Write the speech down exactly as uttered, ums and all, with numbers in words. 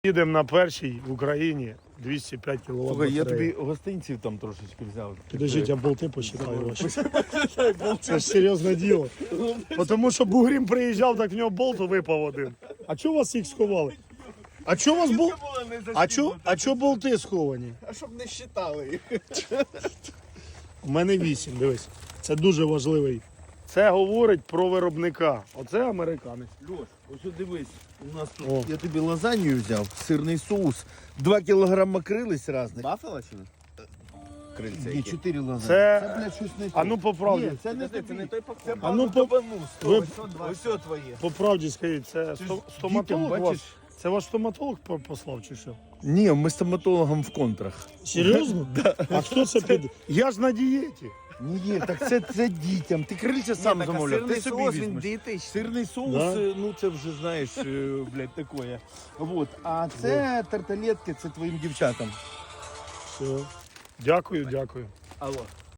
Їдемо на першій в Україні двісті п'ять кіловат. Слухай, я тобі гостинців там трошечки взяв. Підождіть, я болти посчитаю ваші. Це ж серйозне діло. Тому що Бугрім приїжджав, так в нього болт випав один. А чого вас їх сховали? А чого вас бол... А чого а чо болти сховані? А щоб не считали їх. У мене вісім, дивись. Це дуже важливий. Це говорить про виробника. Оце американець. Льош, ось дивись, у нас тут, О. я тобі лазанью взяв, сирний соус, два кілограма крились різних. Баффало чи не? Крильця Ні, які? чотири лазані. Це- Це, блядь, щось не А ну по правді. Ні, це не Це, це не той пакунок. А ну по, ви Ось це твоє. по правді скажіть, це Ти сто- ж стоматолог дітям, вас? бачиш? Це ваш стоматолог по- послав чи що? Ні, ми стоматологом в контрах. Серйозно? А хто це під? Я ж на дієті. Ні, так це, це дітям. Ти крильця сам Ні, так, а замовляв, сирний ти собі соус, він візьмеш. дієтичний. Сирний соус, Да? е, ну це вже знаєш, е, блядь, такое. Вот. А це тарталетки, це твоїм дівчатам. Все. Дякую, дякую. Алло.